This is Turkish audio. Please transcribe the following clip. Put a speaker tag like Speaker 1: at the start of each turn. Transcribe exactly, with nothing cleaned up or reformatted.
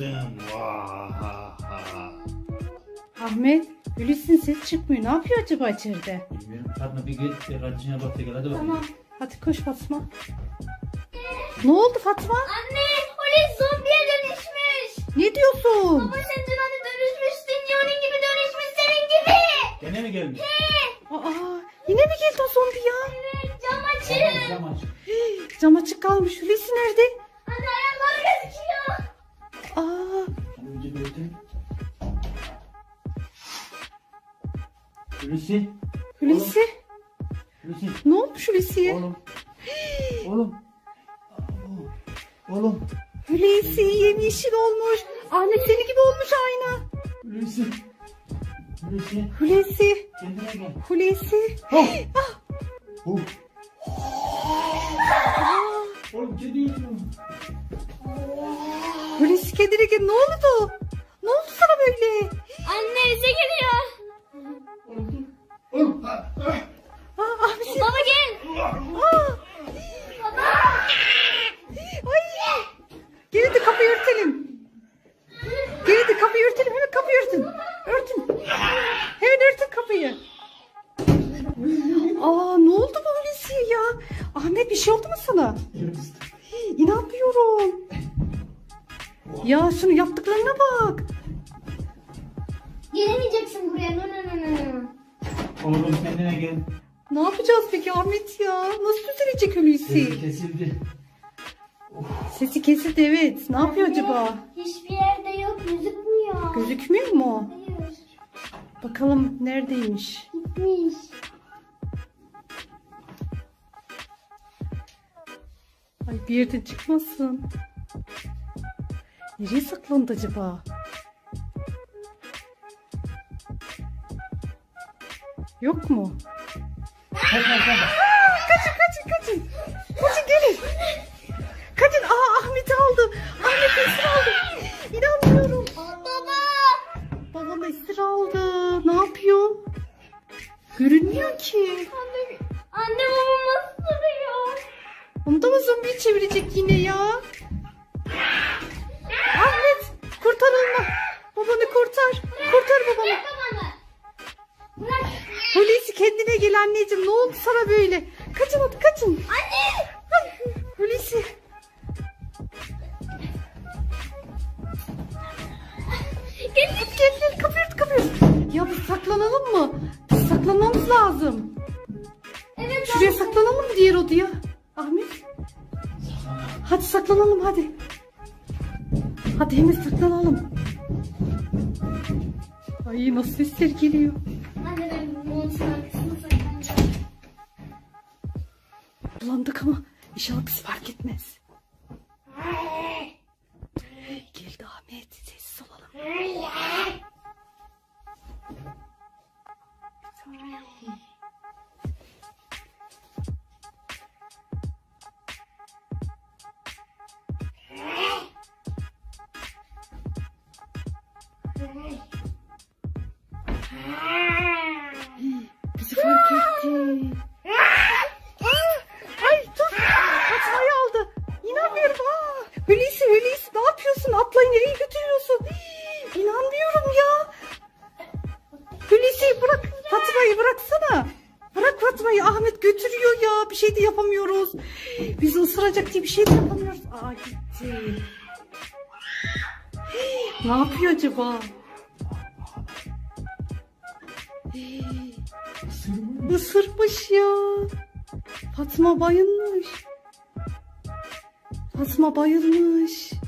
Speaker 1: kaçırdım. Vahaha.
Speaker 2: Ahmet, Hulusi'nin ses çıkmıyor. Ne yapıyor acaba içeride?
Speaker 1: Bilmiyorum. Fatma bir git. Bir kardeşine bak. Gel hadi bakalım.
Speaker 2: Tamam. Hadi koş Fatma. Ne oldu Fatma?
Speaker 3: Anne, Hulusi zombiye dönüşmüş.
Speaker 2: Ne diyorsun?
Speaker 3: Baba sen dün hani dönüşmüştün ya, onun gibi dönüşmüş senin gibi.
Speaker 1: Gene mi gelmiş?
Speaker 2: Aa, yine mi geldi o zombi ya?
Speaker 3: Evet, cam açın.
Speaker 1: Cam aç.
Speaker 2: Hii, cam açık kalmış. Hulusi nerede?
Speaker 3: Anne ayakları gözüküyor.
Speaker 2: Aa,
Speaker 1: Önce bir öteyim. Hulusi.
Speaker 2: Hulusi.
Speaker 1: Hulusi.
Speaker 2: Ne olmuş Hulusi'ye?
Speaker 1: Oğlum. Oğlum. Abo. Oğlum.
Speaker 2: Hulusi yemyeşil olmuş. Ahmet seni gibi olmuş aynı.
Speaker 1: Hulusi. Hulusi.
Speaker 2: Hulusi.
Speaker 1: Kendine gel.
Speaker 2: Hulusi.
Speaker 1: Oh.
Speaker 2: Ah.
Speaker 1: Oh.
Speaker 2: Aa,
Speaker 1: Oğlum kedi yüzüyor.
Speaker 2: Hulusi kendine gel. Ne oldu? Ne oldu sana böyle?
Speaker 3: Anne bize geliyor.
Speaker 1: Oğlum dur. Oğlum. Ah, ah.
Speaker 2: Aa, Ahmet sen-
Speaker 3: Baba gel.
Speaker 2: Aa. Ay. Gelin de kapıyı örtelim. Gelin de kapıyı örtelim. Hemen kapıyı örtün. Örtün. Hemen örtün kapıyı. Aa, ne oldu bu Hulusi'ye ya? Ahmet bir şey oldu mu sana? Hii, İnanmıyorum. Ya şunu yaptıklarına bak.
Speaker 3: Gelemeyeceksin buraya. No no no no no.
Speaker 1: Oğlum kendine gel.
Speaker 2: Ne yapacağız peki Ahmet ya? Nasıl düzelecek Hulusi?
Speaker 1: Sesi kesildi.
Speaker 2: Sesi kesildi evet. Ne yapıyor acaba?
Speaker 3: Hiçbir yerde yok, gözükmüyor.
Speaker 2: Gözükmüyor mu?
Speaker 3: Hayır,
Speaker 2: Bakalım neredeymiş?
Speaker 3: gitmiş.
Speaker 2: Ay bir yerden çıkmasın. Nereye saklandı acaba? Yok mu?
Speaker 1: Kaç kaç kaç.
Speaker 2: Kaçın kaçın kaçın. Kaçın gelin. Kaçın. Aa Ahmet'i aldı. Ahmet esir aldı. İnanmıyorum.
Speaker 3: Baba.
Speaker 2: Babam esir aldı. Ne yapıyor? Görünmüyor ki.
Speaker 3: Anne, anne babam nasıl duruyor?
Speaker 2: Onu da mı zombiyi çevirecek yine ya? Ahmet kurtar onu. Babanı kurtar. Kurtar babanı.
Speaker 3: Bırak babanı. Bırak.
Speaker 2: Hulusi kendine gel anneciğim. Ne oldu sana böyle? Kaçın hadi kaçın.
Speaker 3: Anne.
Speaker 2: Hulusi.
Speaker 3: Gel.
Speaker 2: Gel gel kapıyı ört kapıyı ört. Ya biz saklanalım mı? Biz saklanmamız lazım.
Speaker 3: Evet.
Speaker 2: Şuraya saklanalım mı diğer odaya? Ahmet. Hadi saklanalım hadi. Hadi hemen saklanalım. Ay nasıl sesler geliyor.
Speaker 3: Anne ben montun arkasına saklanacağım.
Speaker 2: Bulandık ama inşallah bizi fark etmez. Geldi Ahmet. Sessiz olalım. Bizi fark etti. Ay dur. Fatma'yı aldı. İnanmıyorum. Aa, Hulusi Hulusi ne yapıyorsun? Atlayı nereye götürüyorsun? Hii, İnanmıyorum ya. Hulusi bırak. Fatma'yı bıraksana. Bırak Fatma'yı. Ahmet götürüyor ya. Bir şey de yapamıyoruz. Bizi ısıracak diye bir şey de yapamıyoruz. Aa gitti. Hii, Ne yapıyor acaba? Hii, Isırmış ya. Fatma bayılmış. Fatma bayılmış.